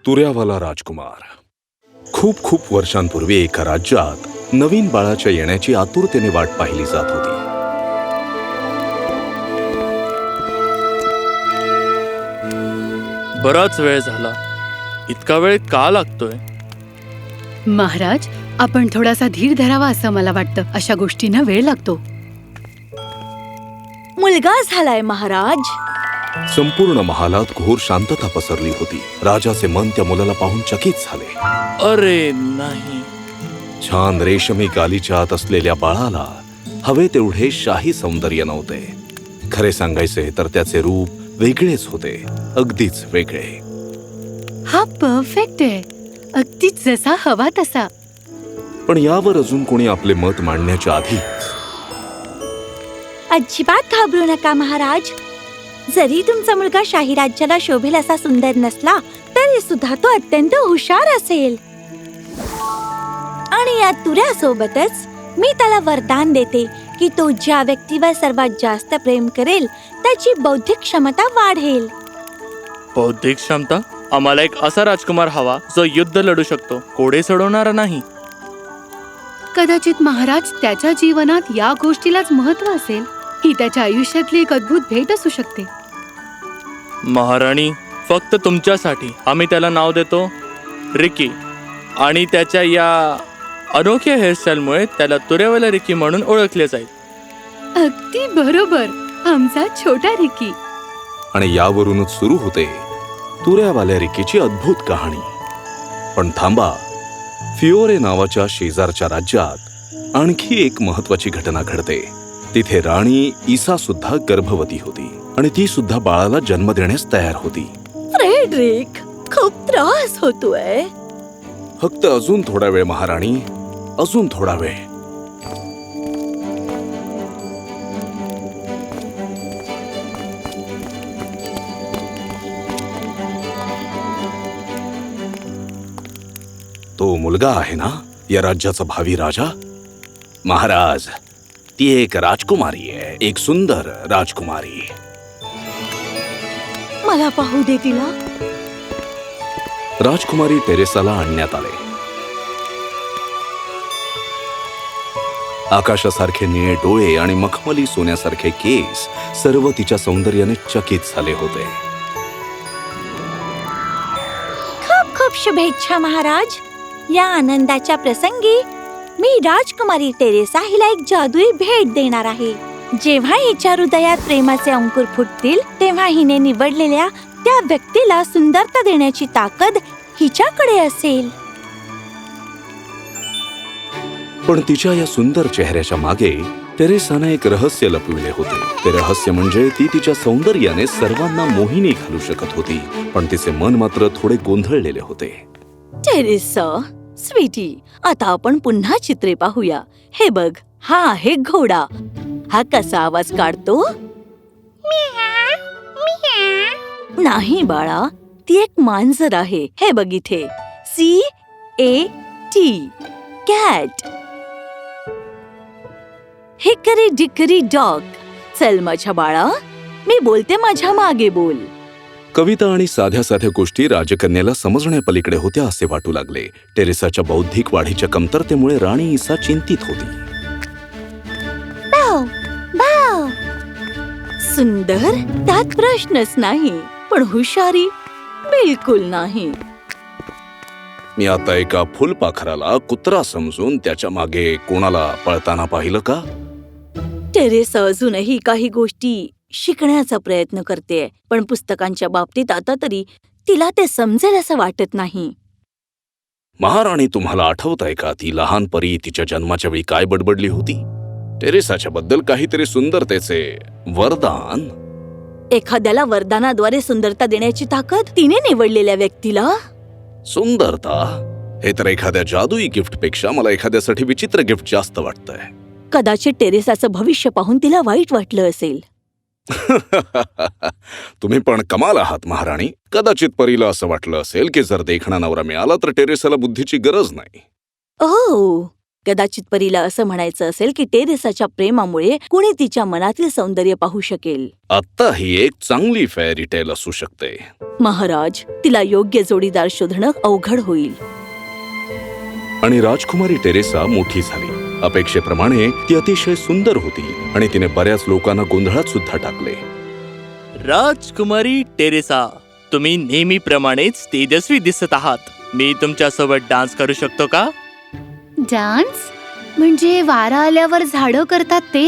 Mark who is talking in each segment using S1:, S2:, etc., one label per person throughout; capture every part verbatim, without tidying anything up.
S1: तुऱ्यावाला राजकुमार. खूप खूप वर्षांपूर्वी एका राज्यात नवीन बाळाच्या येण्याची आतुरतेने वाट पाहिली जात होती.
S2: बराच वेळ झाला. इतका वेळ का लागतोय?
S3: महाराज, आपण थोडासा धीर धरावा असं मला वाटतं. अशा गोष्टींना वेळ लागतो.
S4: मुलगा झालाय महाराज.
S1: संपूर्ण महालात घोर शांतता पसरली होती. राजाचे मन त्या मुलाला पाहून चकित झाले.
S2: अरे नाही.
S1: छान रेशमी गालीच्या आत असलेल्या बाळाला हवे तेवढे शाही सौंदर्य नव्हते. खरे सांगायचे तर त्याचे रूप वेगळेच होते, अगदीच वेगळे.
S3: हा परफेक्ट आहे, अगदीच जसा हवा तसा.
S1: पण यावर अजून कोणी आपले मत मांडण्याच्या आधीच
S4: अजिबात घाबरू नका महाराज. जरी तुमचा मुलगा शाही राज्याला शोभेल असा सुंदर नसला तरी सुद्धा तो अत्यंत हुशार असेल. आणि या तुऱ्यासोबतच मी त्याला वरदान देते की तो ज्या व्यक्तीवर सर्वात जास्त प्रेम करेल त्याची बौद्धिक क्षमता वाढेल.
S2: बौद्धिक क्षमता? आम्हाला एक असा राजकुमार हवा जो युद्ध लढू शकतो, कोडे सोडवणारा नाही.
S3: कदाचित महाराज त्याच्या जीवनात या गोष्टीलाच महत्व असेल. ही त्याच्या आयुष्यातली एक अद्भुत भेट असू शकते.
S2: महाराणी, फक्त तुमच्यासाठी आम्ही त्याला नाव देतो रिकी. आणि त्याच्या या अनोख्या हेअरस्टाईलमुळे त्याला तुऱ्यावाला रिकी म्हणून ओळखले जाईल.
S3: अगदी बरोबर, आमचा छोटा रिकी.
S1: आणि यावरूनच सुरू होते तुऱ्यावाल्या रिकीची अद्भुत कहाणी. पण थांबा, फिओरे नावाच्या शेजारच्या राज्यात आणखी एक महत्वाची घटना घडते. तिथे राणी ईसा सुद्धा गर्भवती होती आणि ती सुद्धा बाळाला जन्म देण्यास तयार होती.
S4: फ्रेडरिक, खूप त्रास होतोय.
S1: फक्त अजून थोडा वेळ महाराणी, अजून थोडा वेळ. तो मुलगा आहे ना या राज्याचा भावी राजा? महाराज, ती एक राजकुमारी आहे, एक सुंदर राजकुमारी.
S4: मला पाहू दे तिला.
S1: राजकुमारी टेरेसाला आणण्यात आले. आकाशासारखे निळे डोळे आणि मखमली सोन्यासारखे केस सर्व तिच्या सौंदर्याने चकित झाले होते.
S4: खूप खूप शुभेच्छा महाराज. या आनंदाच्या प्रसंगी मी राजकुमारी टेरेसा हिला एक जादुई भेट देणार आहे. जेव्हा हिच्या हृदयात प्रेमाचे अंकुर फुटतील तेव्हा हिने निवडलेल्या त्या व्यक्तीला सुंदरता देण्याची ताकद हिच्याकडे असेल.
S1: पण तिच्या या सुंदर चेहऱ्याच्या मागे टेरेसाने एक रहस्य लपविले होते. ते रहस्य म्हणजे ती तिच्या सौंदर्याने सर्वांना मोहिनी घालू शकत होती, पण तिचे मन मात्र थोडे गोंधळलेले होते.
S4: टेरेसा स्वीटी, आता आपण पुन्हा चित्रे पाहूया. हे बघ, हा आहे घोडा. हा कसा आवाज काढतो? नाही बाळा, ती एक मांजर आहे. हे बघ इथे, C A T, cat. Hickory dickory dog. चल माझ्या बाळा, मी बोलते, माझ्या मागे बोल.
S1: कविता आणि साध्या साध्या गोष्टी राजकन्याला समजण्यापलीकडे होत्या असे वाटू लागले. टेरेसाच्या बौद्धिक वाढीच्या कमतरतेमुळे राणी ईसा चिंतित होती.
S4: बाव, बाव. सुंदर, त्यात प्रश्नच नाही, पण हुशारी बिलकुल नाही.
S1: मी आता एका फुलपाखराला कुत्रा समजून त्याच्या मागे कोणाला पळताना पाहिलं का?
S4: टेरेसा अजूनही काही गोष्टी शिकण्याचा प्रयत्न करते, पण पुस्तकांच्या बाबतीत आता तरी तिला ते समजेल असं वाटत नाही.
S1: महाराणी, तुम्हाला आठवतंय का ती लहान परी तिच्या जन्माच्या वेळी काय बडबडली होती? टेरेसाच्या बद्दल काहीतरी सुंदरतेचे वरदान.
S4: एखाद्याला वरदानाद्वारे सुंदरता देण्याची ताकद तिने निवडलेल्या व्यक्तीला.
S1: सुंदरता हे तर एखाद्या जादुई गिफ्ट पेक्षा मला एखाद्यासाठी विचित्र गिफ्ट जास्त वाटतंय.
S4: कदाचित टेरेसाचं भविष्य पाहून तिला वाईट वाटलं असेल.
S1: तुम्ही पण कमाल आहात महाराणी. कदाचित परीला असं वाटलं असेल की जर देखणा नवरा मिळाला तर टेरेसाला बुद्धीची गरज नाही.
S4: ओह, कदाचित परीला असं म्हणायचं असेल की टेरेसाच्या प्रेमामुळे कुणी तिच्या मनातील सौंदर्य पाहू शकेल.
S1: आता ही एक चांगली फेअरी टेल असू शकते.
S4: महाराज, तिला योग्य जोडीदार शोधणं अवघड होईल.
S1: आणि राजकुमारी टेरेसा मोठी झाली. अपेक्षेप्रमाणे ती अतिशय सुंदर होती आणि तिने बऱ्याच लोकांना गोंधळात सुद्धा टाकले.
S2: राजकुमारी टेरेसा, तुम्ही नेहमीप्रमाणेच तेजस्वी दिसत आहात. मी तुमच्यासोबत डान्स करू शकतो का?
S3: डान्स म्हणजे वारा आल्यावर झाडं करतात ते?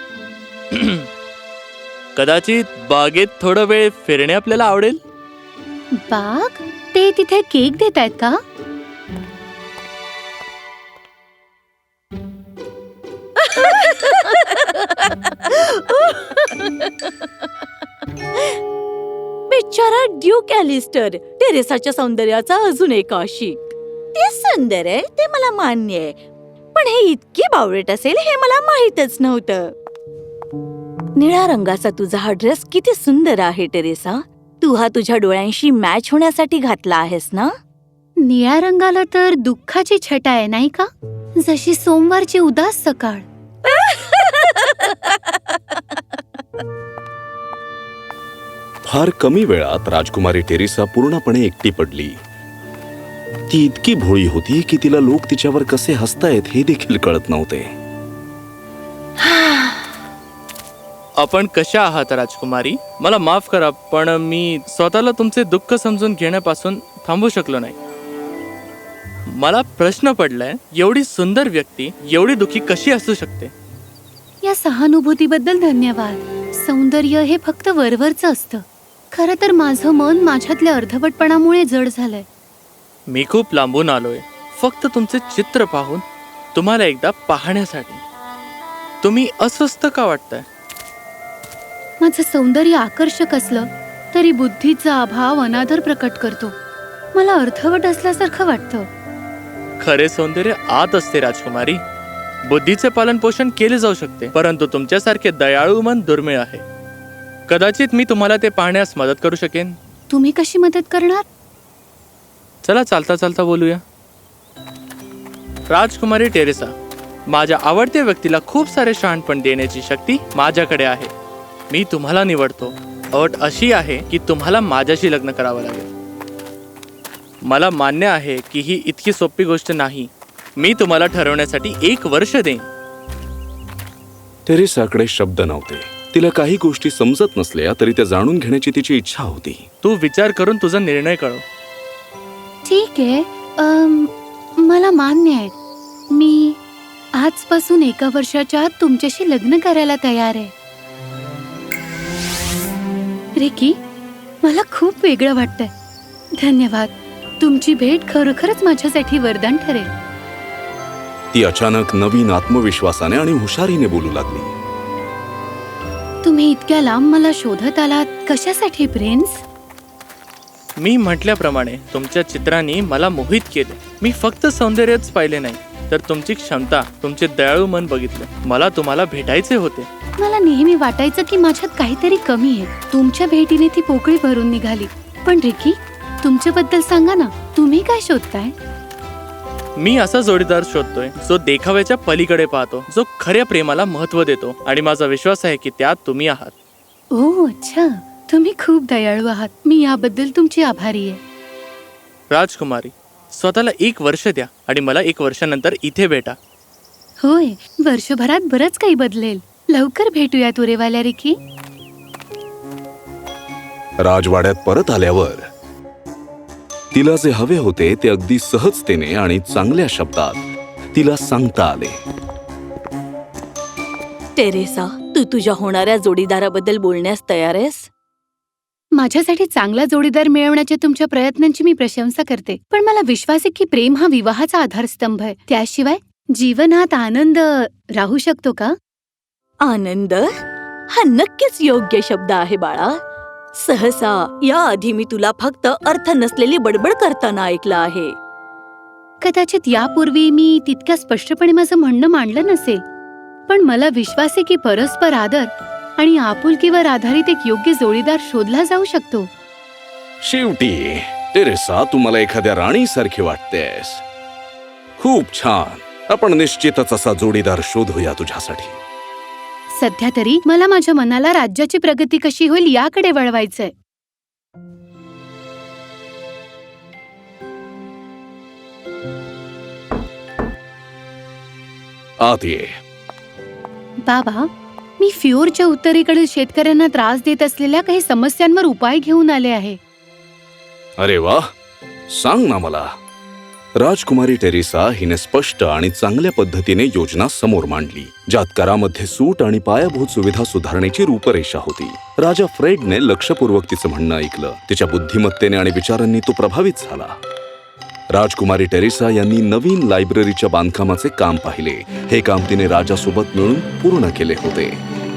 S2: कदाचित बागेत थोडा वेळ फिरणे आपल्याला आवडेल.
S3: बाग? ते तिथे केक देत आहेत का?
S4: बिचारा ड्यूक ॲलिस्टर, टेरेसाच्या सौंदर्याचा अजून एक आशिक. ते सुंदर आहे, ते मला मान्य आहे, पण हे इतकी बावळट असेल हे मला माहीतच नव्हतं. निळ्या रंगाचा तुझा हा ड्रेस किती सुंदर आहे टेरेसा. तू हा तुझ्या डोळ्यांशी मॅच होण्यासाठी घातला आहेस ना?
S3: निळ्या रंगाला तर दुःखाची छटा आहे नाही का? जशी सोमवारची उदास सकाळ.
S1: फार कमी वेळात राजकुमारी टेरेसा पूर्णपणे एकटी पडली. ती इतकी भोळी होती की तिला लोक तिच्यावर कसे हसतायत हे देखील कळत नव्हते.
S2: आपण कशा आहात राजकुमारी? मला माफ करा, पण मी स्वतःला तुमचे दुःख समजून घेण्यापासून थांबू शकलो नाही. मला प्रश्न पडलाय, एवढी सुंदर व्यक्ती एवढी दुःखी कशी असू शकते?
S3: या सहानुभूतीबद्दल धन्यवाद. सौंदर्य हे फक्त वरवरचं असतं. खरं तर माझं मन माझ्यातल्या अर्धवटपणामुळे जड झालंय.
S2: मी खूप लांबून आलोय फक्त तुमचे चित्र पाहून तुम्हाला एकदा पाहण्यासाठी. तुम्ही अस्वस्थ का वाटताय?
S3: माझं सौंदर्य आकर्षक असलं तरी बुद्धीचा अभाव अनादर प्रकट करतो. मला अर्धवट असल्यासारखं वाटतं.
S2: खरे सौंदर्य आत असते राजकुमारी. बुद्धीचे पालन पोषण केले जाऊ शकते, परंतु तुमच्यासारखे दयाळू मन दुर्मिळ आहे. कदाचित मी तुम्हाला ते पाहण्यास मदत करू शकेन.
S3: तुम्ही कशी मदत करणार?
S2: चला चालता चालता बोलूया. राजकुमारी टेरेसा, माझ्या आवडत्या व्यक्तीला खूप सारे शहाणपण देण्याची शक्ती माझ्याकडे आहे. मी तुम्हाला निवडतो. अट अशी आहे की तुम्हाला माझ्याशी लग्न करावं लागेल. मला मान्य आहे की ही इतकी सोपी गोष्ट नाही. मी तुम्हाला ठरवण्यासाठी एक वर्ष देईन.
S1: टेरेसाकडे शब्द नव्हते. तिला काही गोष्टी समजत नसल्या तरी त्या जाणून घेण्याची तिची इच्छा होती.
S2: तू विचार करून तुझा निर्णय कळव.
S3: ठीक आहे, अम, मला मान्य आहे. मी आजपासून एका वर्षाच्या आत तुमच्याशी लग्न करायला तयार आहे. रिकी, मला खूप वेगळं वाटतंय. धन्यवाद. तुमची भेट खरोखरच माझ्यासाठी वरदान ठरेल.
S1: ती अचानक नवीन आत्मविश्वासाने आणि हुशारीने बोलू लागली.
S3: तुम्ही इतक्या लांब मला शोधत आलात कशासाठी प्रिन्स?
S2: मी म्हटल्याप्रमाणे तुमच्या चित्रांनी मला मोहित केले. मी फक्त सौंदर्यच पाहिले नाही तर तुमची क्षमता, तुमचे दयाळू मन बघितले. मला तुम्हाला भेटायचे होते.
S3: मला नेहमी वाटायचं की माझ्यात काहीतरी कमी आहे. तुमच्या भेटीने ती पोकळी भरून निघाली. पण रिकी, तुमच्याबद्दल सांगा ना. तुम्ही काय शोधताय?
S2: मी असा जोडीदार शोधतोय जो देखाव्याच्या पलीकडे पाहतो, जो खऱ्या प्रेमाला महत्व देतो, आणि माझा विश्वास आहे की त्यात तुम्ही आहात.
S3: ओ अच्छा, तुम्ही खूप दयाळू आहात. मी याबद्दल तुमची आभारी आहे.
S2: राजकुमारी, स्वतःला एक वर्ष द्या आणि मला एक वर्षानंतर इथे भेटा.
S3: होय, वर्षभरात बरंच काही बदलेल. लवकर भेटूया तुरेवाल्या रिकी.
S1: राजवाड्यात परत आल्यावर तिला जे हवे होते ते अगदी सहजतेने आणि चांगल्या शब्दात तिला सांगता आले.
S4: टेरेसा, तू तुझ्या होणाऱ्या जोडीदाराबद्दल बोलण्यास तयार आहेस?
S3: माझ्यासाठी चांगला जोडीदार मिळवण्याच्या तुमच्या प्रयत्नांची मी प्रशंसा करते, पण मला विश्वास आहे की प्रेम हा विवाहाचा आधारस्तंभ आहे. त्याशिवाय जीवनात आनंद राहू शकतो का?
S4: आनंद हा नक्कीच योग्य शब्द आहे बाळा. सहसा याआधी मी तुला फक्त अर्थ नसलेली बडबड करताना ऐकलं आहे.
S3: कदाचित यापूर्वी मी तितक्या स्पष्टपणे माझं म्हणणं मांडलं नसेल, पण मला विश्वास आहे की परस्पर आदर आणि आपुलकीवर आधारित एक योग्य जोडीदार शोधला जाऊ शकतो.
S1: शेवटी टेरेसा, तू मला एखाद्या राणीसारखी वाटतेस. खूप छान. आपण निश्चितच असा जोडीदार शोधूया तुझ्यासाठी.
S3: सध्या तरी मला माझ्या मनाला राज्याची प्रगती कशी होईल याकडे वळवायचंय.
S1: आत ये.
S3: बाबा, मी फ्योरच्या उत्तरेकडील शेतकऱ्यांना त्रास देत असलेल्या काही समस्यांवर उपाय घेऊन आले आहे.
S1: अरे वा, सांग ना मला. राजकुमारी टेरेसा हिने स्पष्ट आणि चांगल्या पद्धतीने योजना समोर मांडली, ज्यात करामध्ये सूट आणि पायाभूत सुविधा सुधारण्याची रूपरेषा होती. राजा फ्रेडने लक्षपूर्वक तिचं म्हणणं ऐकलं. तिच्या बुद्धिमत्तेने आणि विचारांनी तो प्रभावित झाला. राजकुमारी टेरेसा यांनी नवीन लायब्ररीच्या बांधकामाचे काम पाहिले. हे काम तिने राजासोबत मिळून पूर्ण केले होते.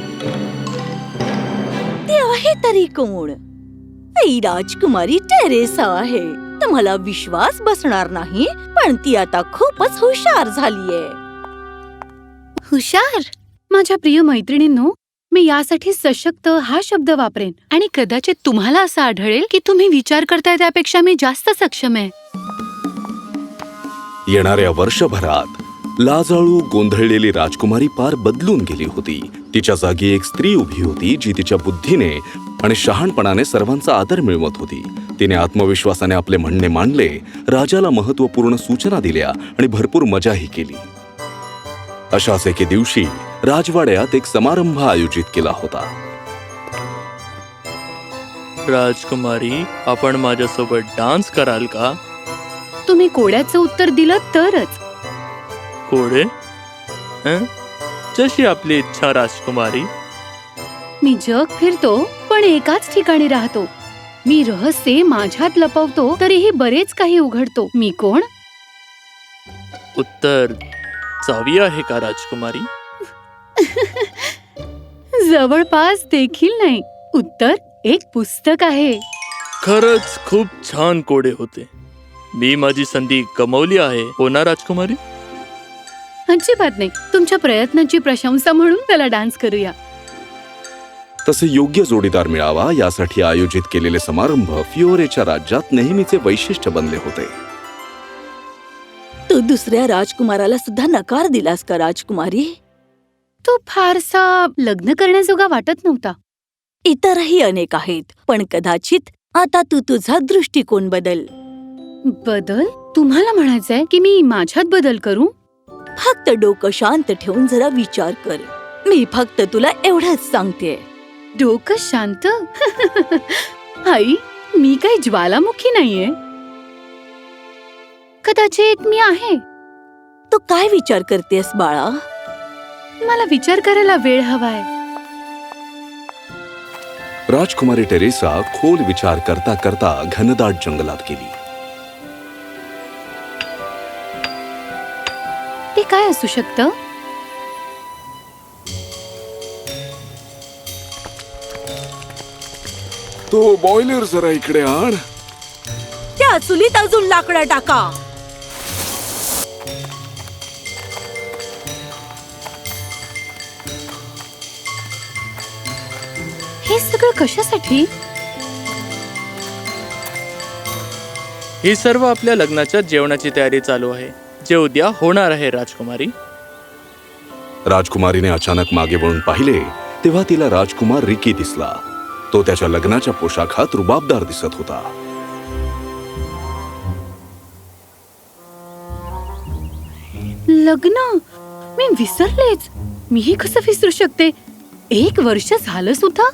S4: ते आहे तरी कोण? ही राजकुमारी टेरेसा आहे. तुम्हाला विश्वास बसणार नाही, पण ती आता खूपच हुशार झालीये.
S3: हुशार? माझ्या प्रिय मैत्रिणींनो, मी यासाठी सशक्त हा शब्द वापरेन आणि कदाचित तुम्हाला असं आढळेल की तुम्ही विचार करताय त्यापेक्षा मी जास्त सक्षम आहे.
S1: येणाऱ्या वर्षभरात लाजाळू गोंधळलेली राजकुमारी पार बदलून गेली होती. तिच्या जागी एक स्त्री उभी होती जी तिच्या बुद्धीने आणि शहाणपणाने सर्वांचा आदर मिळवत होती. तिने आत्मविश्वासाने आपले म्हणणे मांडले, राजाला महत्त्वपूर्ण सूचना दिल्या आणि भरपूर मजाही केली. अशाच एके दिवशी राजवाड्यात एक समारंभ आयोजित केला होता.
S2: राजकुमारी, आपण माझ्यासोबत डान्स कराल का?
S3: तुम्ही कोड्याचं उत्तर दिलं तरच.
S2: कोडे? हं? जशी आपली इच्छा राजकुमारी.
S3: मी जग फिरतो पण एकाच ठिकाणी राहतो. मी रहस्य माझ्यात लपवतो तरीही बरेच काही उघडतो. मी कोण?
S2: उत्तर चावी आहे का राजकुमारी?
S3: जवळपास देखील नाही. उत्तर एक पुस्तक आहे.
S2: खरंच खूप छान कोडे होते. मी माझी संधी गमावली आहे, हो ना राजकुमारी?
S3: अजिबात नाही. तुमच्या प्रयत्नांची प्रशंसा म्हणून त्याला डान्स करूया.
S1: तसे योग्य जोडीदार मिळावा यासाठी आयोजित केलेले समारंभ फिओरेच्या राज्यात नेहमीचे वैशिष्ट्य बनले होते.
S4: तू दुसऱ्या राजकुमाराला सुद्धा नकार दिलास का राजकुमारी?
S3: तो फारसा लग्न करण्याजोगा वाटत नव्हता.
S4: इतरही अनेक आहेत, पण कदाचित आता तू तुझा दृष्टिकोन बदल.
S3: बदल? तुम्हाला म्हणायचंय की मी माझ्यात बदल करू?
S4: फक्त डोकं शांत ठेवून जरा विचार कर. मी फक्त तुला एवढंच सांगते.
S3: डोकं शांत? आई, मी काही ज्वालामुखी नाहीये. कदाचित मी आहे.
S4: तू काय विचार करतेस बाळा?
S3: मला विचार करायला वेळ हवाय.
S1: राजकुमारी टेरेसा खोल विचार करता करता घनदाट जंगलात गेली.
S3: ते काय असू शकतं?
S1: तो बॉयलर जरा इकडे आण.
S4: त्या चुलीत अजून लाकडं टाका.
S3: हे सगळं कशासाठी?
S2: ही सर्व आपल्या लग्नाच्या जेवणाची तयारी चालू आहे, जे उद्या होणार आहे राजकुमारी.
S1: राजकुमारीने अचानक मागे वळून पाहिले तेव्हा तिला राजकुमार रिकी दिसला. तो त्याच्या लग्नाच्या पोशाखात रुबाबदार दिसत होता.
S3: लग्न? मी विसरलेच. मीही कसं विसरू शकते? एक वर्ष झालं सुद्धा.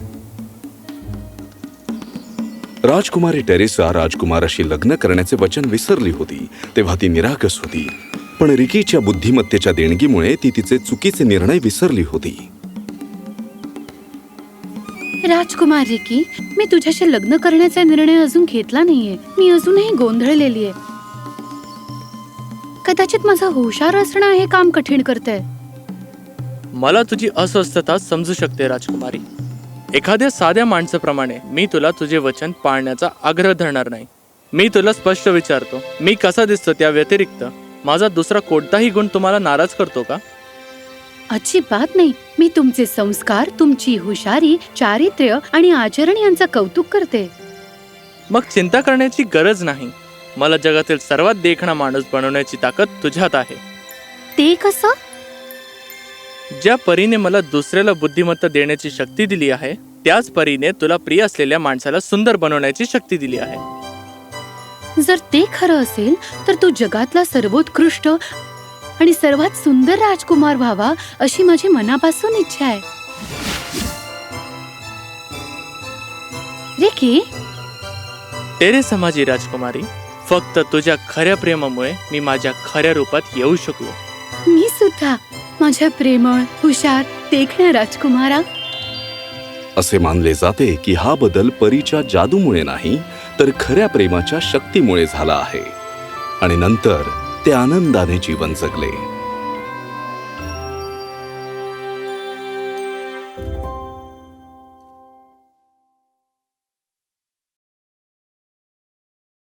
S1: राजकुमारी टेरेसा राजकुमाराशी लग्न करण्याचे वचन विसरली होती तेव्हा ती निरागस होती. पण रिकीच्या बुद्धिमत्तेच्या देणगीमुळे ती तिचे चुकीचे निर्णय विसरली होती.
S3: राजकुमार रिकी, मी तुझ्याशी लग्न करण्याचा निर्णय अजून घेतला नाहीये. मी अजूनही गोंधळलेली आहे. कदाचित माझा हुशार असणं हे काम कठीण करतंय.
S2: मला तुझी अस्वस्थता समजू शकते राजकुमारी. एखाद्या साध्या माणसाप्रमाणे मी तुला तुझे वचन पाळण्याचा आग्रह धरणार नाही. मी तुला स्पष्ट विचारतो, मी कसा दिसतो त्या व्यतिरिक्त माझा दुसरा कोणताही गुण तुम्हाला नाराज करतो का?
S3: अजिबात नाही. मी तुमचे संस्कार, तुमची हुशारी, चारित्र्य आणि आचरण यांचं कौतुक करते.
S2: मग चिंता करण्याची गरज नाही. मला जगातील सर्वात देखणा माणूस बनवण्याची ताकद तुझ्यात आहे.
S3: ते कसं?
S2: ज्या परीने मला दुसऱ्याला बुद्धिमत्ता देण्याची शक्ती दिली आहे, त्याच परीने तुला प्रिय असलेल्या माणसाला सुंदर बनवण्याची शक्ती दिली आहे.
S3: जर ते खरं असेल तर तू जगातला सर्वोत्कृष्ट आणि सर्वात सुंदर राजकुमार व्हावा अशी माझी मनापासून इच्छा आहे. रिकी,
S2: टेरेसा माझी राजकुमारी, फक्त तुझ्या खऱ्या प्रेमामुळे मी माझ्या खऱ्या रूपात येऊ शकलो.
S3: मी सुद्धा माझ्या प्रेमळ, हुशार, देखण्या राजकुमारा.
S1: असे मानले जाते की हा बदल परीच्या जादूमुळे नाही तर खऱ्या प्रेमाच्या शक्तीमुळे झाला आहे आणि नंतर ते आनंदाने जीवन जगले.